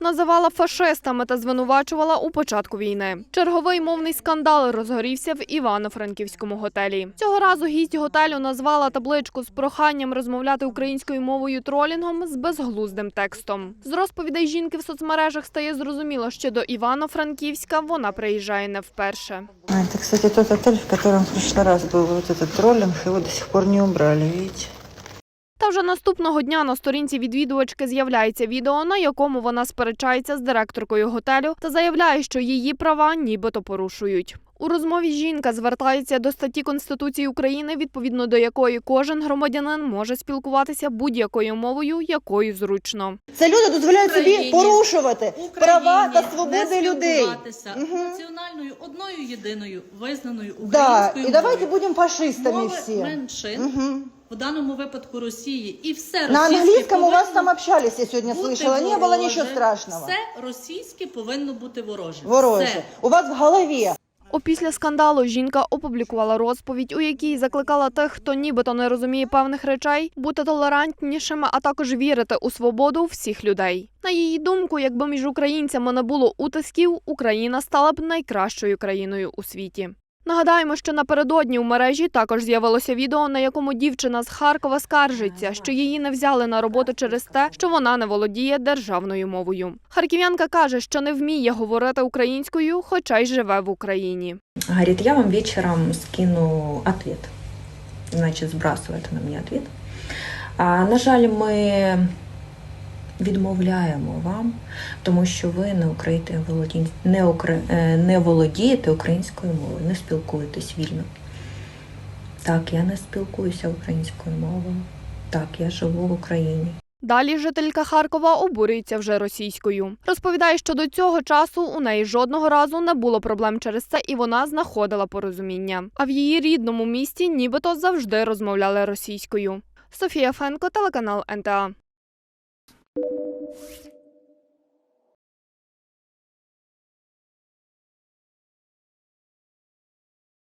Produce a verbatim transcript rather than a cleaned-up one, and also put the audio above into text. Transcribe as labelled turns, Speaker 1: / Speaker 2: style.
Speaker 1: називала фашистами та звинувачувала у початку війни. Черговий мовний скандал розгорівся в Івано-Франківському готелі. Цього разу гість готелю назвала табличку з проханням розмовляти українською мовою тролінгом з безглуздим текстом. З розповідей жінки в соцмережах стає зрозуміло, що до Івано-Франківська вона приїжджає не вперше.
Speaker 2: Это, кстати, тот отель, в котором в прошлый раз был вот этот троллинг, его до сих пор не убрали, видите?
Speaker 1: Та вже наступного дня на сторінці відвідувачки з'являється відео, на якому вона сперечається з директоркою готелю та заявляє, що її права нібито порушують. У розмові жінка звертається до статті Конституції України, відповідно до якої кожен громадянин може спілкуватися будь-якою мовою, якою зручно.
Speaker 2: Це люди дозволяють собі порушувати права та свободи людей.
Speaker 3: Угу. Національною одною єдиною визнаною українською
Speaker 2: Да.
Speaker 3: мовою.
Speaker 2: І давайте будемо фашистами
Speaker 3: Мови
Speaker 2: всі.
Speaker 3: меншин,
Speaker 2: Угу.
Speaker 3: в даному випадку Росії, і все
Speaker 2: На
Speaker 3: російське
Speaker 2: английском у вас
Speaker 3: повинно
Speaker 2: там общались, я сегодня
Speaker 3: бути
Speaker 2: слышала, не было
Speaker 3: вороже.
Speaker 2: ничего страшного.
Speaker 3: Все російське повинно бути вороже.
Speaker 2: Вороже.
Speaker 3: Все.
Speaker 2: У вас в голові.
Speaker 1: Опісля скандалу жінка опублікувала розповідь, у якій закликала тих, хто нібито не розуміє певних речей, бути толерантнішими, а також вірити у свободу всіх людей. На її думку, якби між українцями не було утисків, Україна стала б найкращою країною у світі. Нагадаємо, що напередодні у мережі також з'явилося відео, на якому дівчина з Харкова скаржиться, що її не взяли на роботу через те, що вона не володіє державною мовою. Харків'янка каже, що не вміє говорити українською, хоча й живе в Україні.
Speaker 4: Говорит, я вам вечером скину ответ. Значит, сбрасывает она мне ответ. А, на жаль, ми відмовляємо вам, тому що ви не, українське володі... не, укра... не володієте українською мовою, не спілкуєтесь вільно. Так, я не спілкуюся українською мовою. Так, я живу в Україні.
Speaker 1: Далі жителька Харкова обурюється вже російською. Розповідає, що до цього часу у неї жодного разу не було проблем через це, і вона знаходила порозуміння. А в її рідному місті нібито завжди розмовляли російською. Софія Фенко, телеканал ен те а.